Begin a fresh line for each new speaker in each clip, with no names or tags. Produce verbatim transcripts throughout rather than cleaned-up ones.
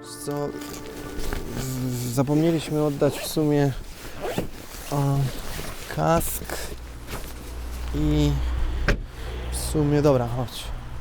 Co? Zapomnieliśmy oddać w sumie o, kask i w sumie, dobra, chodź.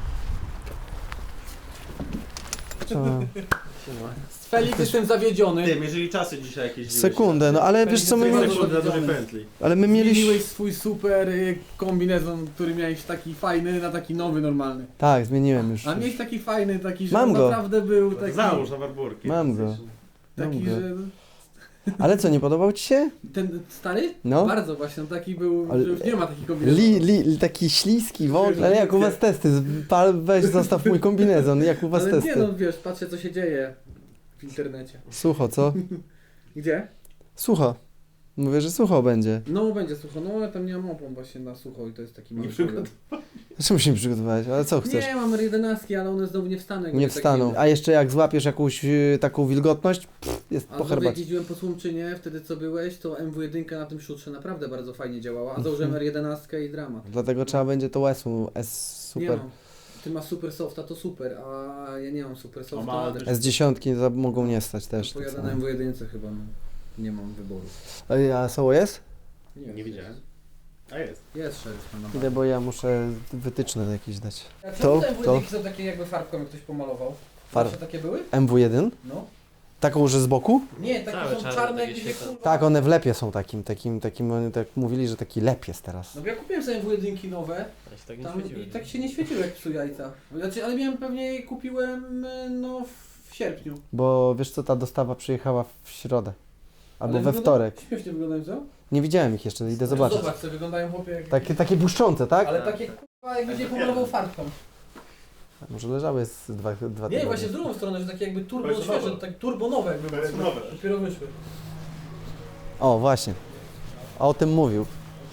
Co?
Z Felix jestem zawiedziony.
Tym, jeżeli czasy dzisiaj jakieś...
Sekundę, no ale wiesz co, my
Felix
mieliśmy,
Sekundę na dużej pętli.
ale my mieliśmy,
Zmieniłeś swój super y, kombinezon, który miałeś taki fajny, na taki nowy, normalny.
tak, zmieniłem już.
A miałeś taki fajny, taki, że
Mam
on
go.
naprawdę był taki...
Załóż na barburki.
Mam go.
Taki,
Mam go.
że...
Ale co, nie podobał ci się?
Ten stary?
No.
Bardzo właśnie, on taki był,
Ale-
że już nie ma takich kombinezonów.
Li, li, taki śliski w ogóle. Ale jak u was testy? Pal, weź zostaw mój kombinezon, jak u was
Ale
testy?
nie no, wiesz, patrzcie co się dzieje w internecie.
Sucho, co?
Gdzie?
Sucho. Mówię, że sucho będzie.
No będzie sucho, no ja tam nie mam opon właśnie na sucho i to jest taki mały
Nie
problem.
Czemu się nie przygotowałeś? Ale co chcesz?
Nie, mam jedenastki, ale one znowu nie wstaną. jakby
Nie
taki-
wstaną. A jeszcze jak złapiesz jakąś y, taką wilgotność, pff, jest
A
po
znowu jak
herbacie.
jeździłem po Słomczynie, wtedy co byłeś, to M W jeden na tym szutrze naprawdę bardzo fajnie działała, a założyłem R jedenastkę i dramat.
Dlatego trzeba będzie to S U, S
Nie
super.
mam. Ty masz super softa, to super, a ja nie mam super
O,
softa.
ma-
też
S dziesięć za- mogą nie stać też. tak
pojadę
samo.
na M W jeden chyba, no. Nie mam wyboru.
Ej, a soło jest?
Nie,
Nie widziałem. A jest.
Jest szeryf na
Idę, bo ja muszę wytyczne jakieś dać.
A
To-
czemu te M W
to-
jeden są takie jakby farbką, jak ktoś pomalował?
Farb-
Zawsze takie były?
M W jeden?
No.
Taką, że z boku?
Nie, takie
Całe
są
czarne,
czarne,
takie
jakby się
świetle.
kurwa...
Tak, one w lepie są takim, takim, takim, oni tak mówili, że taki lep jest teraz.
No bo ja kupiłem sobie M W jeden nowe,
Ja się tak nie
tam
świeciły.
i tak się nie świeciły jak psu jajca. Znaczy, ale miałem pewnie je kupiłem y, no w sierpniu.
Bo wiesz co, ta dostawa przyjechała w środę. Albo
Ale
we
wygląda-
wtorek.
Śmiesznie wyglądają, co?
Nie widziałem ich jeszcze, idę zobaczyć.
Zobacz, co wyglądają chłopie jak...
Takie, takie błyszczące, tak?
Ale takie kurwa jak będzie pomalował farbką.
Może leżały z dwa, dwa
Nie,
tygodnie.
właśnie w drugą stronę, że takie jakby turbo
To jest
świeże,
nowe.
tak turbo nowe jakby
To jest
były.
nowe.
Dopiero wyszły.
O, właśnie. O tym mówił.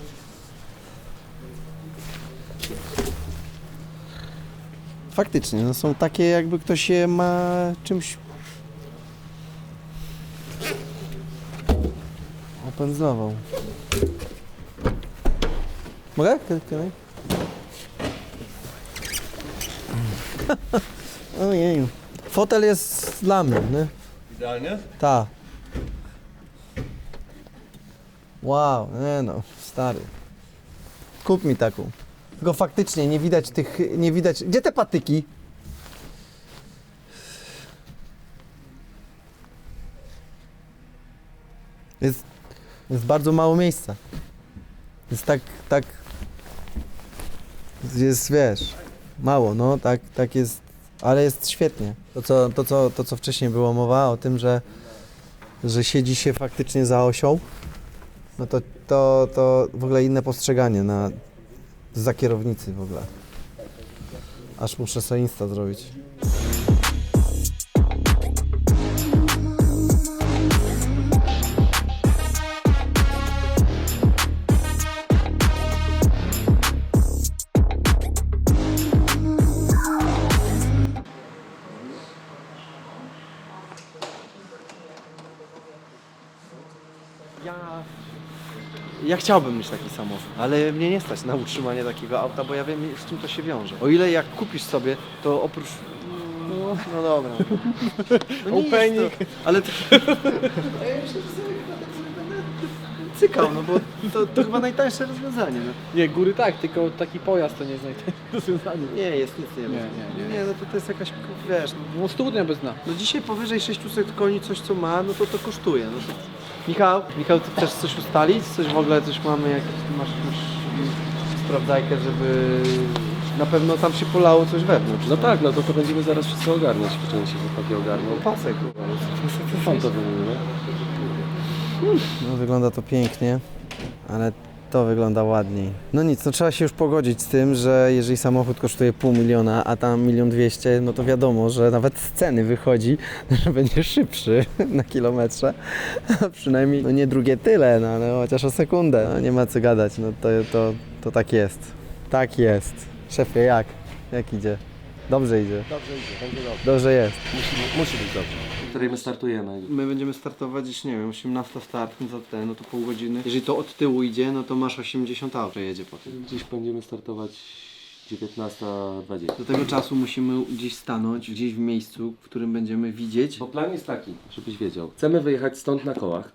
Faktycznie, no są takie jakby ktoś je ma czymś opędzlował. Mogę? Can, can I? Ojeju. Fotel jest dla mnie, nie?
Idealnie?
Ta. Wow, nie no, stary. Kup mi taką. Tylko faktycznie nie widać tych, nie widać... Gdzie te patyki? Jest, jest bardzo mało miejsca. Jest tak, tak... Jest, wiesz, mało, no, tak, tak jest, ale jest świetnie. To co, to, co, to, co wcześniej było mowa o tym, że że siedzi się faktycznie za osią, no to, to, to w ogóle inne postrzeganie na, za kierownicy w ogóle. Aż muszę sobie Insta zrobić. Ja, ja chciałbym mieć taki samochód, ale mnie nie stać na utrzymanie takiego auta, bo ja wiem, z czym to się wiąże. O ile jak kupisz sobie, to oprócz... No, no dobra. No nie
Opening.
jest to, ale to... A ja myślę, że sobie chyba tak sobie będę cykał, no bo to, to chyba najtańsze rozwiązanie. No.
Nie, góry tak, tylko taki pojazd to nie jest najtańsze rozwiązanie.
Nie, jest nic nie,
Nie, nie, nie.
Nie, no to, to jest jakaś, wiesz,
No studnia bez dna.
no dzisiaj powyżej sześćset koni coś co ma, no to to kosztuje. No to... Michał, Michał, ty chcesz coś ustalić? Coś w ogóle, coś mamy, jakieś, ty masz jakąś sprawdzajkę, żeby na pewno tam się polało coś wewnątrz.
No tak, no to, to będziemy zaraz wszystko ogarniać, po części chłopaki ogarną.
No pasek.
Pan to wymieni,
No wygląda to pięknie, ale to wygląda ładniej. No nic, no trzeba się już pogodzić z tym, że jeżeli samochód kosztuje pół miliona, a tam milion dwieście, no to wiadomo, że nawet z ceny wychodzi, że będzie szybszy na kilometrze. A przynajmniej, no nie drugie tyle, no ale chociaż o sekundę. No nie ma co gadać, no to, to, to tak jest. Tak jest. Szefie, jak? Jak idzie? Dobrze idzie.
Dobrze idzie, będzie dobrze.
Dobrze jest.
Musi, musi być dobrze. W której my startujemy.
My będziemy startować gdzieś, nie wiem, osiemnasta start, no za te, no to pół godziny. Jeżeli to od tyłu idzie, no to masz osiemdziesiąt aut, że jedzie po tym.
Gdzieś będziemy startować dziewiętnasta dwadzieścia.
Do tego czasu musimy gdzieś stanąć, gdzieś w miejscu, w którym będziemy widzieć.
Bo plan jest taki, żebyś wiedział. Chcemy wyjechać stąd na kołach.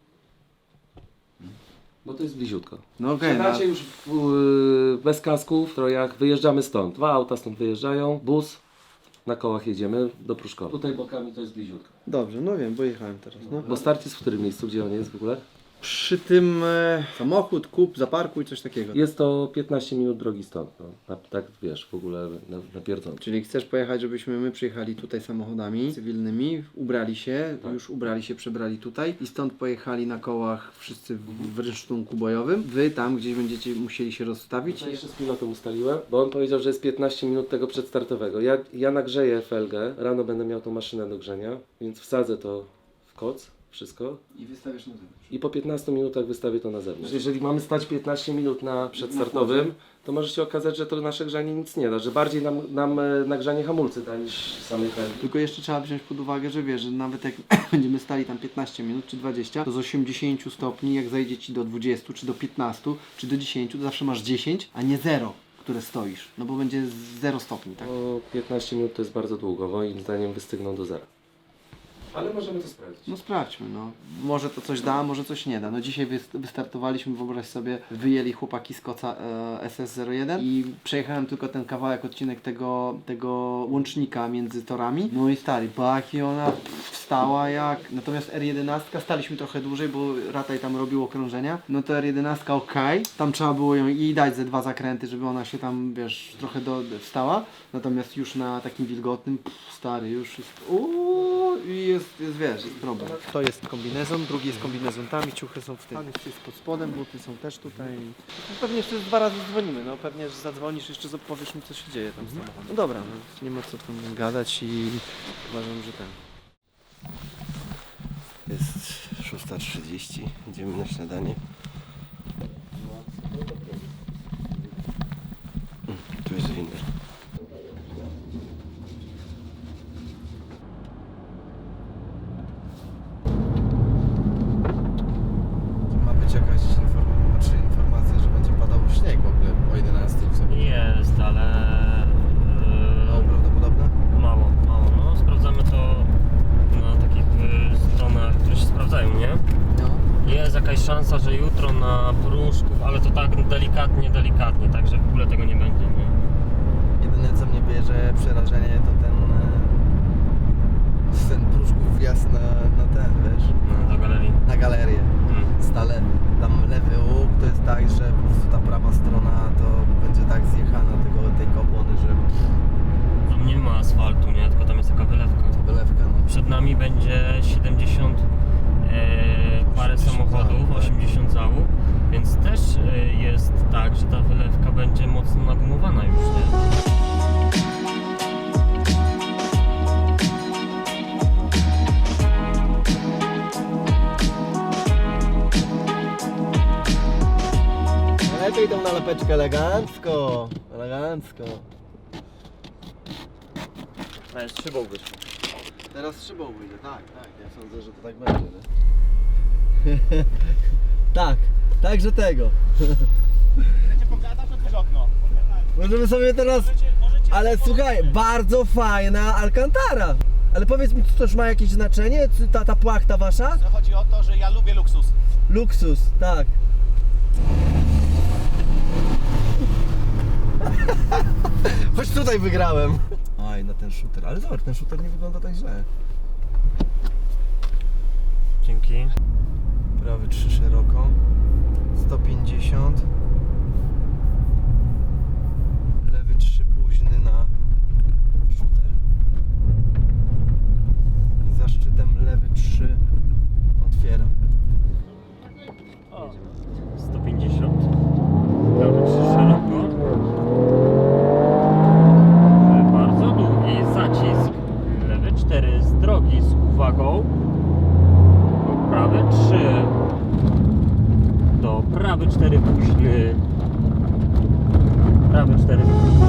Bo to jest bliziutko.
No okej, okay,
Siadacie już w, yy, bez kasków, w strojach, wyjeżdżamy stąd. Dwa auta stąd wyjeżdżają, bus, na kołach jedziemy do Pruszkowa. Tutaj bokami to jest bliziutko.
Dobrze, no wiem, bo jechałem teraz. No.
Bo start jest w którym miejscu, gdzie on jest w ogóle?
Przy tym e, samochód, kup, zaparkuj, coś takiego.
Jest to piętnaście minut drogi stąd. No. Na, tak wiesz, w ogóle na, na pierdząco.
Czyli chcesz pojechać, żebyśmy my przyjechali tutaj samochodami cywilnymi, ubrali się,
Tak.
już ubrali się, przebrali tutaj i stąd pojechali na kołach wszyscy w, w rynsztunku bojowym. Wy tam gdzieś będziecie musieli się rozstawić.
Ja jeszcze z pilotem ustaliłem, bo on powiedział, że jest piętnaście minut tego przedstartowego. Ja, ja nagrzeję felgę, rano będę miał tą maszynę do grzenia, więc wsadzę to w koc, wszystko.
I wystawiasz na zewnątrz.
I po piętnastu minutach wystawię to na zewnątrz. Jeżeli mamy stać piętnaście minut na przedstartowym, to może się okazać, że to nasze grzanie nic nie da, że bardziej nam, nam e, nagrzanie hamulcy da niż samej felgi.
Tylko jeszcze trzeba wziąć pod uwagę, że wiesz, że nawet jak będziemy stali tam piętnaście minut czy dwadzieścia, to z osiemdziesięciu stopni, jak zajdzie Ci do dwudziestu, czy do piętnastu, czy do dziesięciu, to zawsze masz dziesięć, a nie zero, które stoisz. No bo będzie zero stopni, tak?
No, piętnaście minut to jest bardzo długo, moim zdaniem wystygną do zera. Ale możemy to sprawdzić.
No sprawdźmy, no. Może to coś da, może coś nie da. No dzisiaj wyst- wystartowaliśmy, wyobraź sobie, wyjęli chłopaki z koca e, S S zero jeden i przejechałem tylko ten kawałek, odcinek tego, tego łącznika między torami. No i stary, baki ona pff, wstała jak... Natomiast R jedenaście, staliśmy trochę dłużej, bo Rataj tam robił okrążenia. No to R jedenaście ok, tam trzeba było ją i dać ze dwa zakręty, żeby ona się tam, wiesz, trochę do, wstała. Natomiast już na takim wilgotnym, pff, stary, już jest... Uuu, i jest jest, wiesz, jest problem. To jest kombinezon, drugi jest kombinezon tam i ciuchy są w tym. Tam jest wszystko pod spodem, buty są też tutaj. Pewnie jeszcze dwa razy dzwonimy, no pewnie, że zadzwonisz, jeszcze powiesz mi, co się dzieje tam z samochodem. No dobra, no, nie ma co tam gadać i uważam, że ten.
Jest szósta trzydzieści, idziemy na śniadanie. Tu jest winner.
Ma być jakaś inform- czy informacja, że będzie padał śnieg w ogóle o jedenastej w sobie.
Jest, ale
Mało prawdopodobne?
yy, mało, mało. No, sprawdzamy to na takich y, stronach, które się sprawdzają, nie?
No.
Jest jakaś szansa, że jutro na Pruszków, ale to tak delikatnie, delikatnie, także w ogóle tego nie będzie, nie?
Jedyne co mnie bierze przerażenie to ten e, ten Pruszków wjazd na, na ten, wiesz,
No, do galerii.
na galerię.
Mm.
Stale tam lewy łuk to jest tak, że po prostu ta prawa strona to będzie tak zjechana tego, tej kopłony, że
Tam nie ma asfaltu, nie? Tylko tam jest taka wylewka.
wylewka, no.
Przed nami będzie siedemdziesiąt e, parę
osiemdziesiąt
samochodów,
załóg, tak.
osiemdziesiąt załóg, więc też e, jest tak, że ta wylewka będzie mocno nagumowana już, nie?
Lepiej idą na lepeczkę elegancko, elegancko.
A z szybą wyszło.
Teraz szybą wyjdzie, tak, tak, ja sądzę, że to tak będzie, nie? tak, także tego.
Chcecie pogadać, otwórz okno.
Możemy sobie teraz, ale słuchaj, bardzo fajna Alcantara. Ale powiedz mi, czy to już ma jakieś znaczenie, czy ta, ta płachta wasza?
Chodzi o to, że ja lubię luksus.
Luksus, tak. Choć tutaj wygrałem. Oj, na ten shooter, ale zobacz, ten shooter nie wygląda tak źle.
Dzięki.
Prawy trzy szeroko, sto pięćdziesiąt. Lewy trzy późny na shooter. I za szczytem lewy trzy otwiera.
sto pięćdziesiąt. Prawy trzy szeroko. Bardzo długi zacisk. Lewy cztery z drogi z uwagą. Do prawy trzy. Do prawy cztery późny. Prawy cztery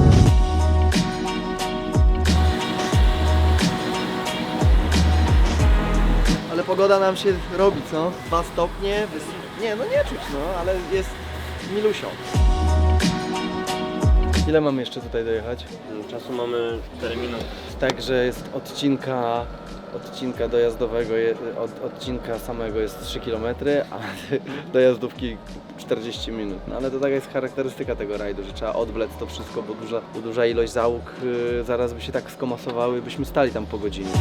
Ale pogoda nam się robi, co? Dwa stopnie, wys- nie, no nie czuć, no, ale jest milusio. Ile mamy jeszcze tutaj dojechać?
Czasu mamy cztery minuty.
Także jest odcinka, odcinka dojazdowego, je- od, odcinka samego jest trzy kilometry, a dojazdówki czterdzieści minut. No ale to taka jest charakterystyka tego rajdu, że trzeba odwlec to wszystko, bo duża, bo duża ilość załóg yy, zaraz by się tak skomasowały, byśmy stali tam po godzinie.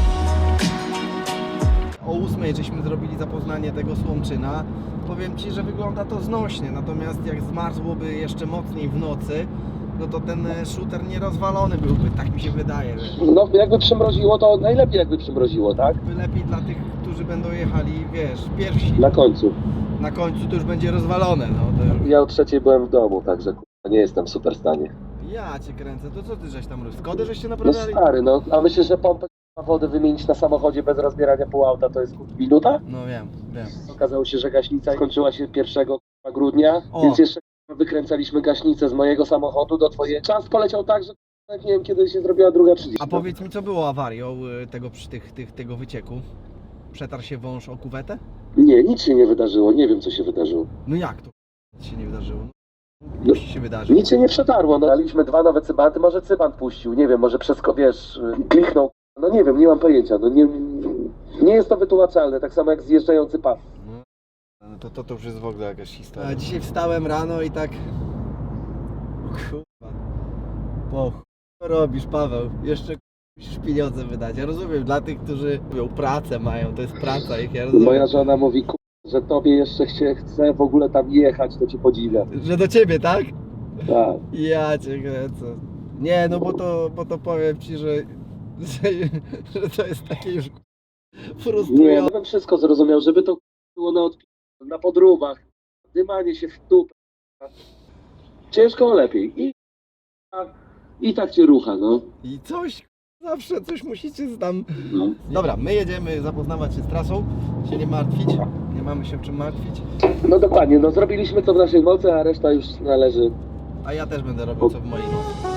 O ósmej żeśmy zrobili zapoznanie tego Słomczyna. Powiem Ci, że wygląda to znośnie, natomiast jak zmarzłoby jeszcze mocniej w nocy, no to ten e, shooter nierozwalony byłby, tak mi się wydaje. Że
No jakby przymroziło, to najlepiej jakby przymroziło, tak?
by lepiej dla tych, którzy będą jechali, wiesz, pierwsi.
Na końcu.
Na końcu to już będzie rozwalone, no to już...
Ja o trzeciej byłem w domu, także kurwa, nie jestem w super stanie.
Ja Cię kręcę, to co Ty żeś tam robił? Skody żeście
No
naprawiali?
stary, no, a myślisz, że pompę wody wymienić na samochodzie bez rozbierania pół auta to jest minuta?
No wiem, wiem.
Okazało się, że gaśnica skończyła się pierwszego grudnia,
O.
więc jeszcze wykręcaliśmy gaśnicę z mojego samochodu do twojej. Czas poleciał tak, że nie wiem kiedy się zrobiła druga trzydzieści.
A powiedz mi, co było awarią y, tego, przy tych, tych, tego wycieku? Przetarł się wąż o kuwetę?
Nie, nic się nie wydarzyło, nie wiem co się wydarzyło.
No jak to nic się nie wydarzyło?
No,
Musi się wydarzyć.
nic się nie przetarło, no daliśmy dwa nowe cybanty, może cybant puścił, nie wiem, może przez, wiesz, kliknął. No nie wiem, nie mam pojęcia, no nie, nie jest to wytłumaczalne, tak samo jak zjeżdżający pas.
No to, to, to już jest w ogóle jakaś historia. A dzisiaj wstałem rano i tak... O kurwa. Po chuj robisz, Paweł? Jeszcze musisz pieniądze wydać. Ja rozumiem, dla tych, którzy mówią, pracę mają, to jest praca ich, ja rozumiem.
Moja żona mówi, "Ku- że tobie jeszcze się chce w ogóle tam jechać, to cię podziwia.
Że do ciebie, tak?
Tak.
Ja cię kręcę. Nie, no bo to, bo to powiem ci, że, że, że to jest takie już
Nie,
frustrujące.
no bym wszystko zrozumiał, żeby to było na odp- na podróbach, dymanie się w dupę. Ciężko, lepiej. I, I tak cię rucha, no.
I coś, zawsze coś musicie tam...
no.
Dobra, my jedziemy zapoznawać się z trasą, się nie martwić, nie mamy się czym martwić,
No dokładnie, no zrobiliśmy co w naszej mocy, a reszta już należy.
a ja też będę robił co w mojej mocy.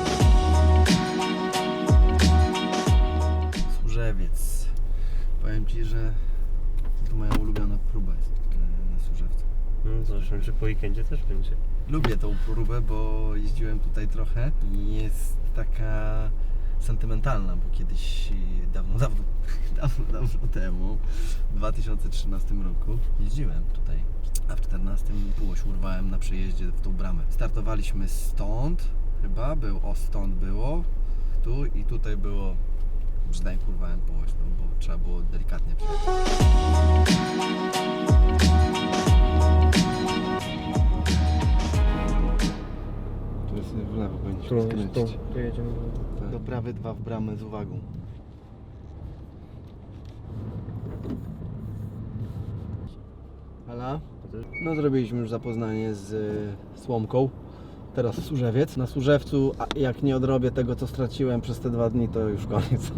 Służewiec. Powiem ci, że to moja ulubiona próba jest e, na Służewcu.
No zobaczymy, czy po weekendzie też będzie.
Lubię tą próbę, bo jeździłem tutaj trochę i jest taka sentymentalna, bo kiedyś dawno, dawno, dawno, dawno temu, w dwa tysiące trzynastym roku jeździłem tutaj, a w czternastym półoś urwałem na przejeździe w tą bramę. Startowaliśmy stąd, chyba, był, o stąd było, tu i tutaj było, brzdęk urwałem półoś, no, bo trzeba było delikatnie przejechać. Tu jest w lewo, powinniśmy skręcić.
Tu jedziemy.
Do prawy dwa w bramę z uwagą. Hala? No zrobiliśmy już zapoznanie z y, Słomką. Teraz Służewiec. Na Służewcu, a jak nie odrobię tego, co straciłem przez te dwa dni, to już koniec.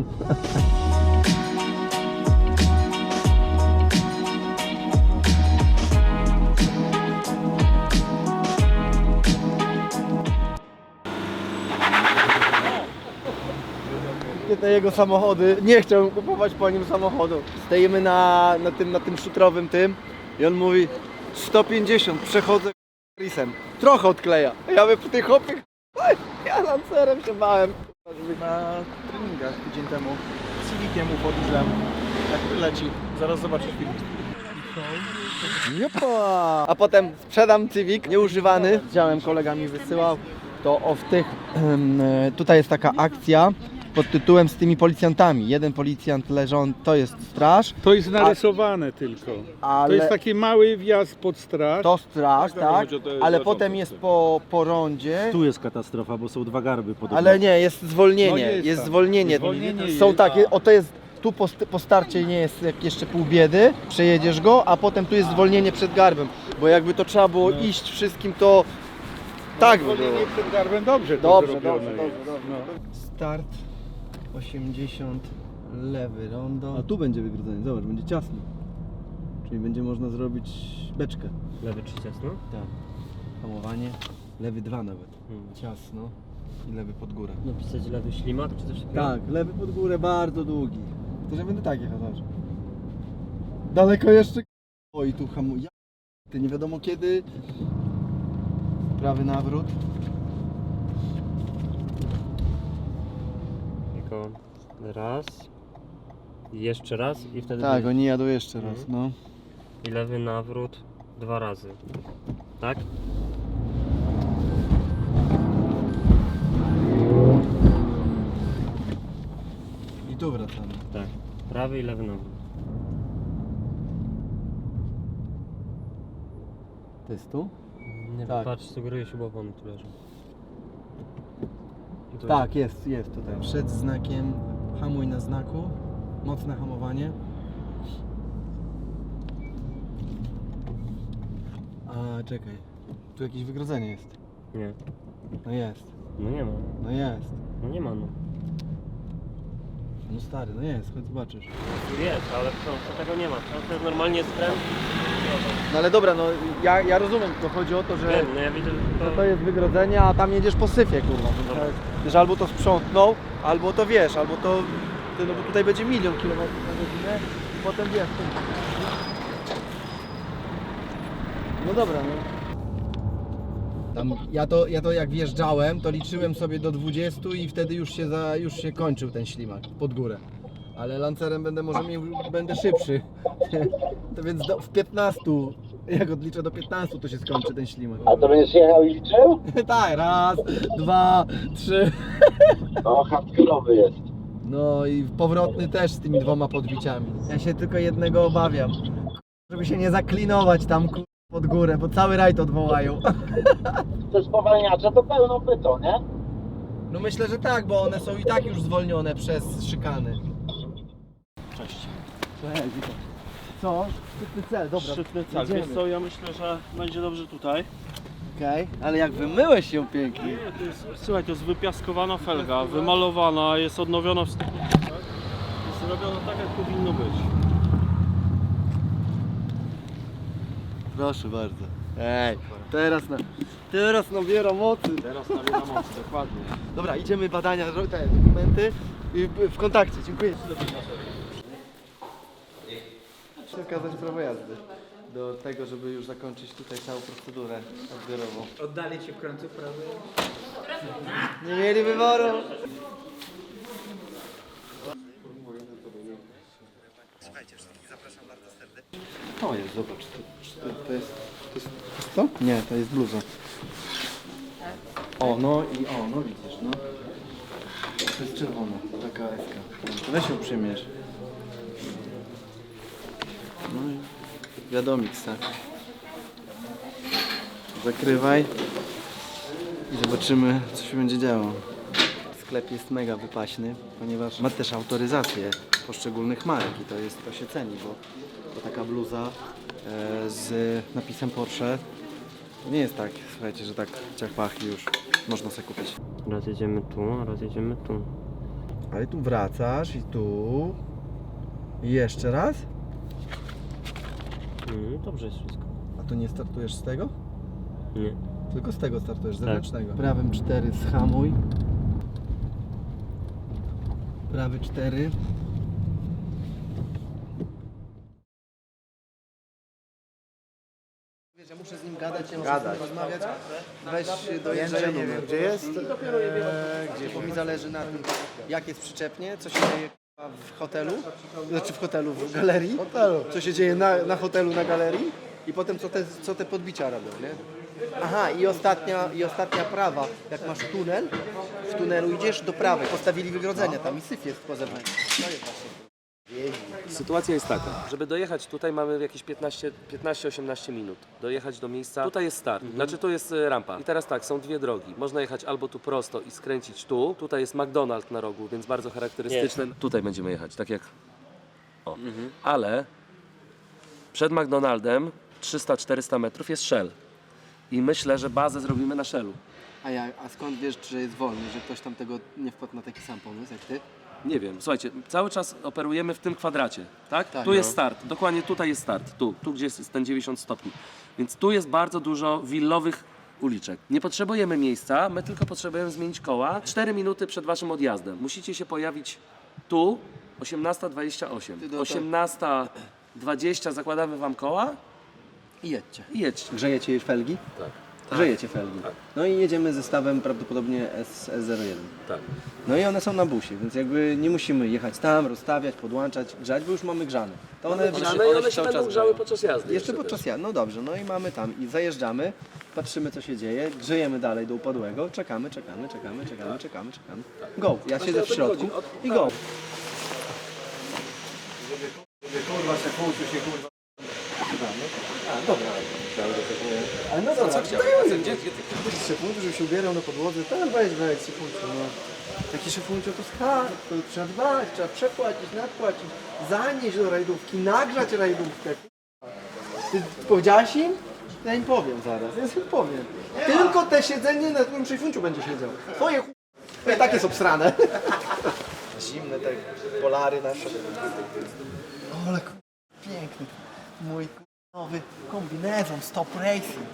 Te jego samochody, nie chciałbym kupować po nim samochodu. Stoimy na, na tym, na tym szutrowym tym i on mówi sto pięćdziesiąt, przechodzę risem. Trochę odkleja. A ja mówię, ty chłopie, ja lancerem się bałem.
Na treningach tydzień temu z Civiciem uwodziłem, jak leci. Zaraz zobaczysz film.
Jopa! A potem sprzedam Civic, nieużywany. Widziałem, kolega mi wysyłał. To o w tych, em, e, tutaj jest taka akcja pod tytułem z tymi policjantami. Jeden policjant leżą, to jest straż,
To jest narysowane tylko.
ale
To jest taki mały wjazd pod straż.
to straż,
Tak,
tak,
chodzi o te
ale
zarządy.
potem jest po, po rondzie.
Tu jest katastrofa, bo są dwa garby podobno.
Ale nie, jest zwolnienie,
No
jest,
jest tak.
zwolnienie.
Zwolnienie
Są
jest,
takie,
tak.
o to jest, tu po, st- po starcie nie jest jak jeszcze pół biedy, przejedziesz go, a potem tu jest zwolnienie przed garbem, bo jakby to trzeba było
No.
iść wszystkim, to tak by było.
Zwolnienie przed garbem dobrze to
Dobrze,
zrobione
dobrze, dobrze,
jest.
dobrze.
No.
Start osiemdziesiąt, lewy rondo. A tu będzie wygrodzenie, zobacz, będzie ciasno. Czyli będzie można zrobić beczkę.
Lewy czy ciasno?
Tak. Hamowanie, lewy dwa nawet.
Hmm.
Ciasno i lewy pod górę.
Napisać lewy ślimak czy coś takiego?
Tak, lewy pod górę bardzo długi. To że będę tak jechał, zobacz. Daleko jeszcze. Oj, tu hamuje. Ty nie wiadomo kiedy. Prawy nawrót.
tylko raz, jeszcze raz i wtedy
Tak,
będzie-
oni jadą jeszcze raz,
Mhm.
no.
i lewy nawrót dwa razy. Tak?
I tu wracamy.
Tak. Prawy i lewy nawrót.
To jest tu?
Nie
Tak.
patrz, sugeruję się głową, tu leży. I tu
Tak, jest, jest tutaj. Przed znakiem hamuj na znaku. Mocne hamowanie. A, czekaj. Tu jakieś wygrodzenie jest.
jest. Nie.
No jest.
No nie ma.
No jest.
No nie ma no.
No stary, no jest, chodź zobaczysz.
Jest, ale w książce tego nie ma. W książce jest normalnie skręt.
No ale dobra, no ja, ja rozumiem, to chodzi o to, że,
Wiem, no ja widzę, że
że
to...
to jest wygrodzenie, a tam jedziesz po syfie, kurwa.
Dobra.
Że albo to sprzątnął, albo to wiesz, albo to... Ty, no bo tutaj będzie milion kilometrów na godzinę i potem wiesz... To... No dobra, no.
Tam, ja, to, ja to jak wjeżdżałem, to liczyłem sobie do dwudziestu i wtedy już się, za, już się kończył ten ślimak pod górę. Ale Lancerem będę może miał, będę szybszy. To więc do, w piętnastu, jak odliczę do piętnastu, to się skończy ten ślimak.
A to będziesz jechał i liczył?
Tak, raz, dwa, trzy.
No, hardkorowy jest.
No i powrotny też z tymi dwoma podbiciami. Ja się tylko jednego obawiam. Żeby się nie zaklinować tam ku- pod górę, bo cały rajd odwołają.
Te spowalniacze to pełno pyto, nie?
No myślę, że tak, bo one są i tak już zwolnione przez szykany.
Co? Szczytny cel, dobra.
Szczytny cel. Wiesz co, ja myślę, że będzie dobrze tutaj.
Okej, ale jak wymyłeś się pięknie.
Nie, to jest, słuchaj, to jest wypiaskowana felga, wymalowana, jest odnowiona w stu procentach. Jest zrobiona tak, jak powinno być.
Proszę bardzo. Ej, teraz na, teraz nabiera mocy.
Teraz nabiera mocy, dokładnie.
Dobra, idziemy badania, ro- te dokumenty i w- w kontakcie. Dziękuję. Chcę okazać prawo jazdy do tego, żeby już zakończyć tutaj całą procedurę odbiorową.
Oddali ci w końcu prawy.
Nie mieli wyboru. To jest, zobacz, to, to, to jest, to jest, to jest to? Nie, to jest bluza. O, no i o, no widzisz, no. To jest czerwona, taka eska. Weź ją przymierz. No i wiadomik, tak. Zakrywaj i zobaczymy, co się będzie działo. Sklep jest mega wypaśny, ponieważ ma też autoryzację poszczególnych marek i to, jest, to się ceni, bo, bo taka bluza e, z napisem Porsche to nie jest tak, słuchajcie, że tak ciach pach i już można sobie kupić.
Raz jedziemy tu, a raz jedziemy tu.
Ale tu wracasz i tu. I jeszcze raz?
Mm, dobrze jest wszystko.
A to nie startujesz z tego?
Nie.
Tylko z tego startujesz,
Tak.
zewnętrznego. Prawym cztery zhamuj. Prawy cztery. Wiesz, ja muszę z nim gadać, ja muszę z nim rozmawiać. Weź do Jędrzeja, nie wiem gdzie jest. Eee, gdzie, bo mi zależy na tym, jak jest przyczepnie, co się dzieje k***a, w hotelu, znaczy w hotelu, w galerii. Co się dzieje na, na hotelu, na galerii i potem co te, co te podbicia robią, nie? Aha, i ostatnia, i ostatnia prawa, jak masz tunel, w tunelu idziesz do prawej, postawili wygrodzenie tam i syf jest po zewnątrz. To jest właśnie.
Sytuacja jest taka, żeby dojechać tutaj mamy jakieś piętnaście osiemnaście minut. Dojechać do miejsca, tutaj jest start, znaczy tu jest e, rampa. I teraz tak, są dwie drogi. Można jechać albo tu prosto i skręcić tu. Tutaj jest McDonald's na rogu, więc bardzo charakterystyczne. Tutaj będziemy jechać, tak jak... O. Ale przed McDonaldem trzysta czterysta metrów jest Shell. I myślę, że bazę zrobimy na Shellu.
A, ja, a skąd wiesz, że jest wolny, że ktoś tam tego nie wpadł na taki sam pomysł jak ty?
Nie wiem, słuchajcie, cały czas operujemy w tym kwadracie, tak?
Tak,
tu
no.
jest start, dokładnie tutaj jest start, tu, tu gdzie jest ten dziewięćdziesiąt stopni. Więc tu jest bardzo dużo willowych uliczek. Nie potrzebujemy miejsca, my tylko potrzebujemy zmienić koła. cztery minuty przed waszym odjazdem. Musicie się pojawić tu, osiemnasta dwadzieścia osiem.
Ty do-
osiemnasta dwadzieścia zakładamy wam koła
I jedźcie.
i jedźcie.
Grzejecie już felgi?
Tak.
Grzejecie felgi.
Tak.
No i jedziemy zestawem prawdopodobnie S zero jeden.
Tak.
No i one są na busie, więc jakby nie musimy jechać tam, rozstawiać, podłączać, grzać, bo już mamy grzane. To one,
Grzane i one się będą grzały podczas jazdy.
Jeszcze podczas jazdy, no dobrze, no i mamy tam i zajeżdżamy, patrzymy co się dzieje, grzejemy dalej do upadłego, czekamy, czekamy, czekamy, czekamy, czekamy, czekamy. Go, ja
Właśnie
siedzę
o
w
to
środku
chodzi. Od-
i go. Kurwa, się kłócił się, kurwa. A, dobra. Ale no co, co chciałem? Gdzie ty szefuntu, żeby się ubierał na podłodze? Tak, weź, weź, szefuntu, no. Taki szefuncio to skarb, to trzeba dbać, trzeba przepłacić, nadpłacić, zanieść do rajdówki, nagrzać rajdówkę. Ty powiedziałaś im? Ja im powiem zaraz, ja im powiem. Tylko te siedzenie na tym szefunciu będzie siedział. Twoje ch... I tak jest obsrane. Zimne te polary nasze. O, ale k- piękny. Mój k- nowy kombinezon Stop Racing.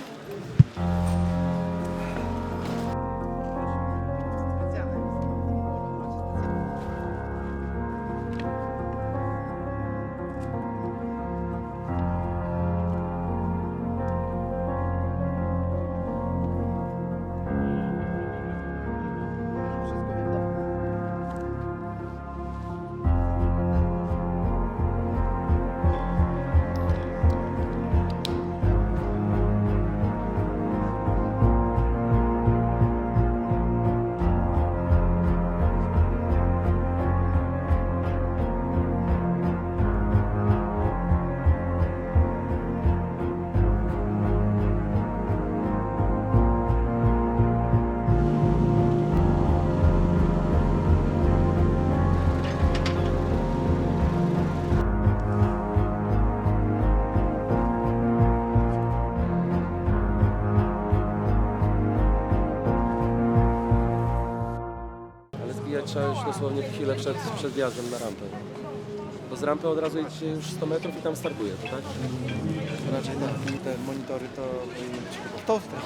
Ale zbijać trzeba już dosłownie chwilę przed, przed wjazdem na rampę. Bo z rampy od razu jedziecie już sto metrów i tam startuje, to tak?
Raczej tak, te monitory to powinny być chyba w toster.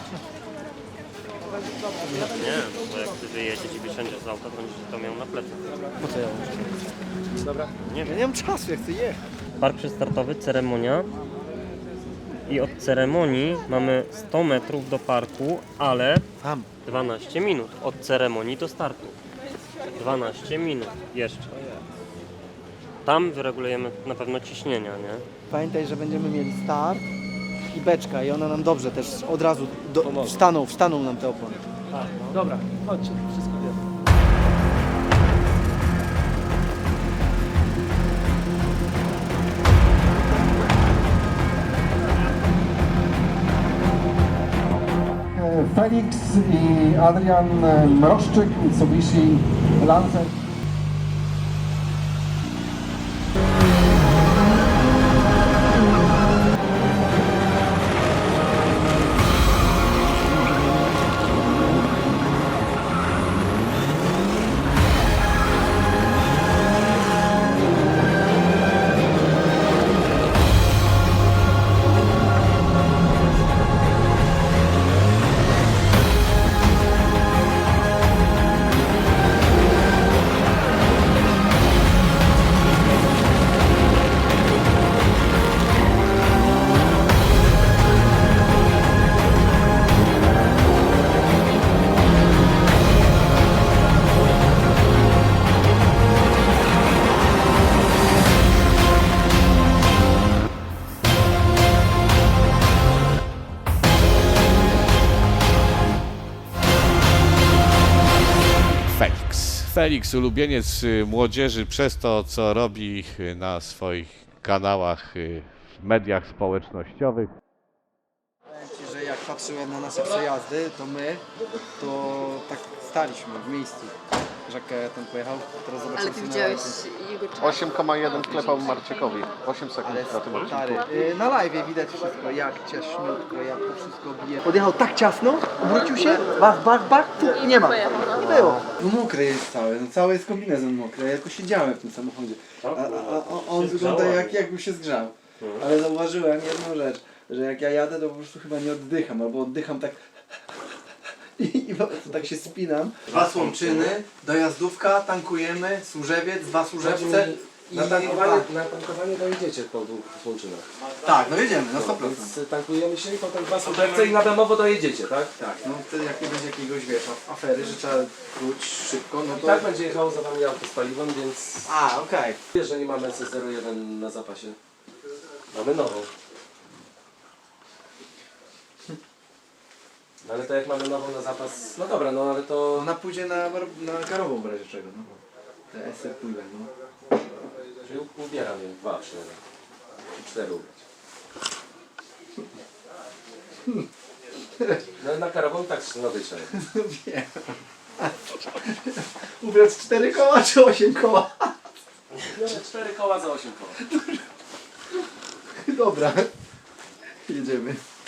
Nie, bo jak ty wyjedziesz i wysiądziesz z auta, to będziesz to miał na plecach.
Po co ja muszę?
Dobra.
Nie
Ja
wiem.
nie mam czasu, ja chcę jechać.
Park przystartowy, ceremonia. I od ceremonii mamy sto metrów do parku, ale
Tam.
dwanaście minut. Od ceremonii do startu. dwanaście minut jeszcze. Tam wyregulujemy na pewno ciśnienia, nie?
Pamiętaj, że będziemy mieli start i beczka i ona nam dobrze też od razu do,
Pomoże.
wstaną, wstaną nam te opony.
Dobra, chodźcie, wszystko wiemy.
Felix i Adrian Mroszczyk, Mitsubishi Lancer.
Felix. Felix, ulubieniec y, młodzieży przez to, co robi y, na swoich kanałach y, w mediach społecznościowych.
Powiem Ci, że jak patrzyłem na nasze przejazdy, to my, to tak staliśmy w miejscu. Żakę tam pojechał, teraz zobaczymy.
Ale ty widziałeś jego czas?
osiem przecinek jeden wklepał Marciekowi. osiem sekund
Ale
na tym odcinku.
stary, y, na live widać wszystko, jak ciaśniutko, jak to wszystko bije. Podjechał tak ciasno, obrócił się, bach, bach, bach, tu i nie ma. Nie było. No mokry jest cały, no cały jest kombinezon mokry, ja tylko siedziałem w tym samochodzie. A, a, a on wygląda jak, jakby się zgrzał. Ale zauważyłem jedną rzecz, że jak ja jadę, to po prostu chyba nie oddycham, albo oddycham tak i, i po prostu tak się spinam. Dwa Słomczyny, dojazdówka, tankujemy, Służewiec, dwa Służewce
Na tankowanie, na tankowanie dojedziecie po dwóch Słonczynach.
Tak, no jedziemy, na sto
No,
procent.
więc tankujemy się i potem dwa soczewce i na Bemowo dojedziecie, tak?
Tak, no wtedy jak nie będzie jakiegoś, wiesz, afery, że trzeba wrócić szybko, no
I
to...
tak będzie jechało za wami auto z paliwem, więc...
A, okej.
Wiesz, że nie mamy S S zero jeden na zapasie. Mamy nową. No ale to jak mamy nową na zapas... No dobra, no ale to...
Ona pójdzie na, na karową w razie czego, no. Te S R pójdą, no.
Czyli ubieram je dwa przynajmniej. I cztery ubrać. No na karową tak nowy trzeba.
Wiem. Ubrać cztery koła czy osiem koła?
Cztery koła za osiem koła.
Dobra. Jedziemy.